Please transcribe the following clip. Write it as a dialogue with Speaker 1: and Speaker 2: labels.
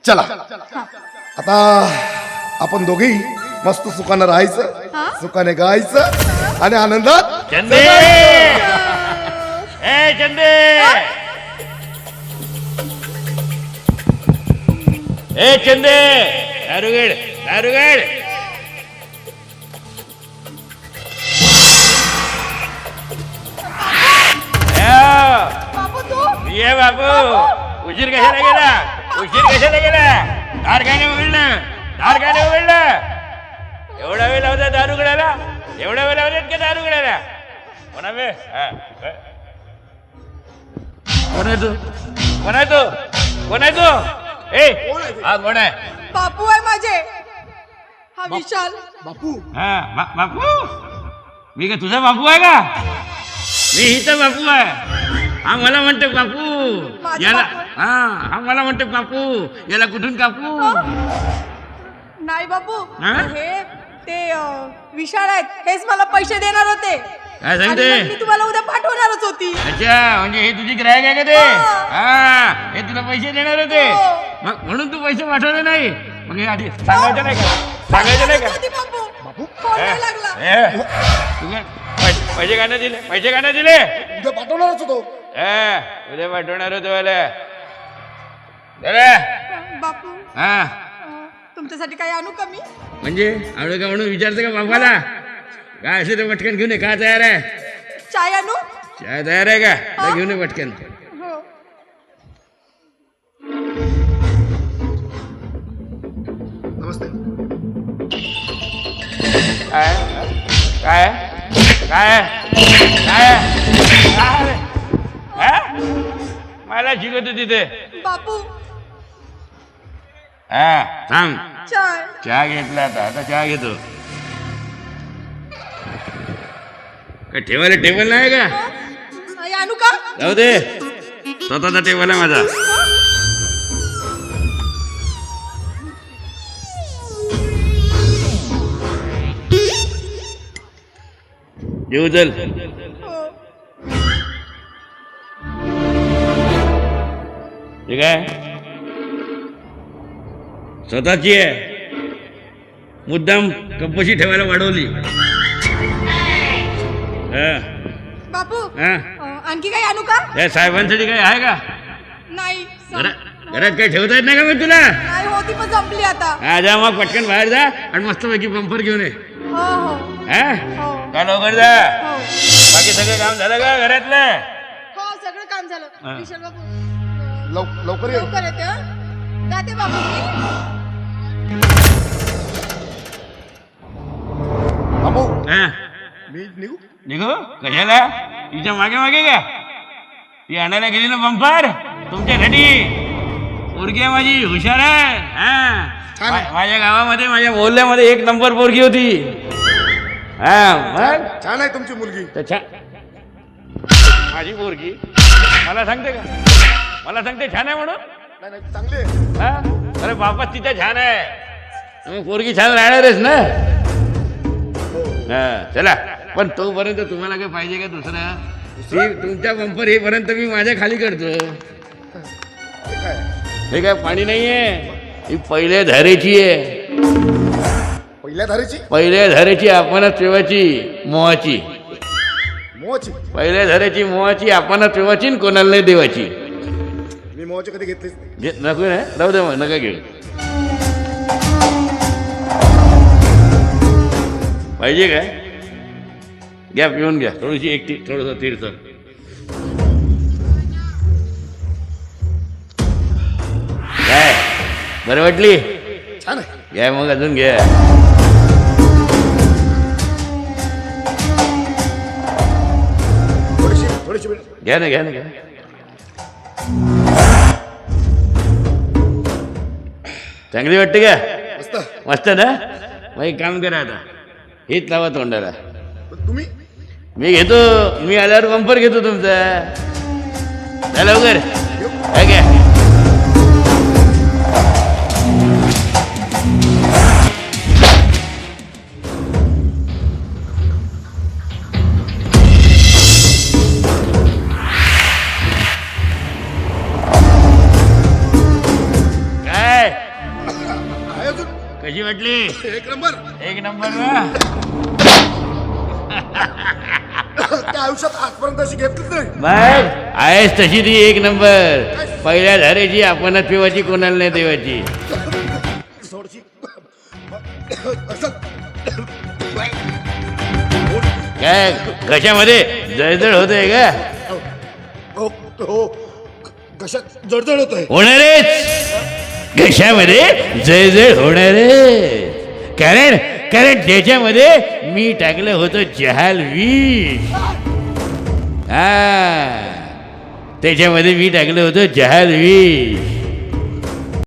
Speaker 1: चला आता आपण दोघेही मस्त सुखानं राहायचं, सुखाने गायचं आणि आनंदात
Speaker 2: चंदे ए चंदे ए चंदे दारुगड दारुगड ये बापू उशीर कशाला गेला दार काय उघडलं एवढा वेळ लावता दारू गडाला एवढा वेळ लावतात का दारू गडाला कोणा वे कोण आहे तू ए हा कोण आहे
Speaker 3: बापू आहे माझे हा विशाल
Speaker 1: बापू
Speaker 2: बापू मी का तुझा बापू आहे का मी हिचा बापू आहे हा मला म्हणतो बापू याला हा मला म्हणतो बापू याला कुठून कापू
Speaker 3: नाही बापू हे ते विशाल आहेत हेच मला पैसे देणार होते
Speaker 2: काय सांगते
Speaker 3: मी तुम्हाला उद्या पाठवणारच होती
Speaker 2: अच्छा म्हणजे हे तुझी ग्राहक आहे का ते हे तुला पैसे देणार होते मग म्हणून तू पैसे पाठवले नाही मग हे आधी सांगायचं नाही का
Speaker 3: बापू फोन नाही लागला
Speaker 2: पैसे का दिले
Speaker 1: उद्या पाठवणारच होतो
Speaker 2: उद्या पाठवणार होतो
Speaker 3: बापू तुमच्यासाठी काही आणू का मी
Speaker 2: म्हणजे आवड का म्हणून विचारतं का बापाला काय असे ते पटकन घेऊन ये का तयार आहे
Speaker 3: चाय आणू
Speaker 2: चाय तयार आहे का घेऊन ये पटकन
Speaker 3: हो
Speaker 1: नमस्ते
Speaker 2: काय काय काय काय मला शिकवतो तिथे
Speaker 3: बापू
Speaker 2: थांब
Speaker 3: चाय
Speaker 2: चहा घेतला आता चहा घेतो काय ठेवायला टेबल नाही का
Speaker 3: आणू का
Speaker 2: जाऊ दे स्वतःचा टेबल आहे माझा जेऊ चल ठीक आहे स्वतःची आहे मुद्दाम कंपशी ठेवायला वाढवली
Speaker 3: बापू आणखी काही आणू का
Speaker 2: या साहेबांसाठी काही आहे का
Speaker 3: नाही
Speaker 2: घरात काही ठेवता येत नाही का मग तुला
Speaker 3: नाही होती पण संपली आता
Speaker 2: जा मग पटकन बाहेर जा आणि मस्तपैकी बंपर घेऊन ये
Speaker 3: हो हो
Speaker 2: काय लवकर जा
Speaker 3: हो
Speaker 2: बाकी सगळं काम झालं का घरातलं
Speaker 3: हो सगळं काम झालं विशाल बापू
Speaker 1: लवकर ये
Speaker 3: लवकर येते हं? जाते बापू
Speaker 1: बापू
Speaker 2: हा
Speaker 1: मी निघू
Speaker 2: निघू कशाला तिच्या मागे मागे का ती आणायला गेली ना बंपर तुमच्यासाठी पोरगी आहे माझी हुशार आहे माझ्या गावामध्ये माझ्या मोहल्ल्यामध्ये 1 नंबर पोरगी होती मग
Speaker 1: छान आहे तुमची मुलगी
Speaker 2: माझी पोरगी मला सांगते छान आहे म्हणून
Speaker 1: नाही चांगली आहे.
Speaker 2: अरे बापा तिथे छान आहे मग पोरगी छान राहणारच ना चला पण तोपर्यंत तुम्हाला काय पाहिजे का दुसरा तुमच्या बंपर येईपर्यंत मी माझ्या खाली करतो हे काय पाणी नाहीये ही पहिल्या धारेची आहे पहिल्या धारेची आपणच ठेवायची मोहाची पहिल्या धारेची मोहाची आपणच ठेवायची आणि कोणाला नाही देवाची
Speaker 1: मी मोहाची कधी घेतलीच
Speaker 2: नको ना राहू दे मग नका घेऊ पाहिजे काय घ्या पिऊन घ्या थोडीशी एकटी थोडंसं तीर्थ काय बरं वाटली
Speaker 1: छान आहे
Speaker 2: घ्या मग अजून घ्या
Speaker 1: थोडीशी
Speaker 2: घ्या ना चांगली वाटते का मस्त ना मग एक काम करा आता हेच लावा तोंडाला
Speaker 1: तुम्ही
Speaker 2: मी घेतो मी आल्यावर बंपर घेतो तुमचा चला लवकर काय काय कशी वाटली?
Speaker 1: एक नंबर.
Speaker 2: एक नंबर ना.
Speaker 1: त्या आयुष्यात आजपर्यंत अशी घेतलीच नाही.
Speaker 2: बघ आहेस तशी ती एक नंबर. पहिल्या धारेची आपणच पिवाची कोणाला नाही देवाची.
Speaker 1: थोडीशी असं
Speaker 2: काय कशामध्ये जळजळ होतंय का?
Speaker 1: हो हो कशात जडजड होत आहे.
Speaker 2: होणारच. कशामध्ये जळजळ होणारच. कारण कारण त्याच्यामध्ये मी टाकलं होतं जहाल विष. हा त्याच्यामध्ये मी टाकलं होतं जहाल विष.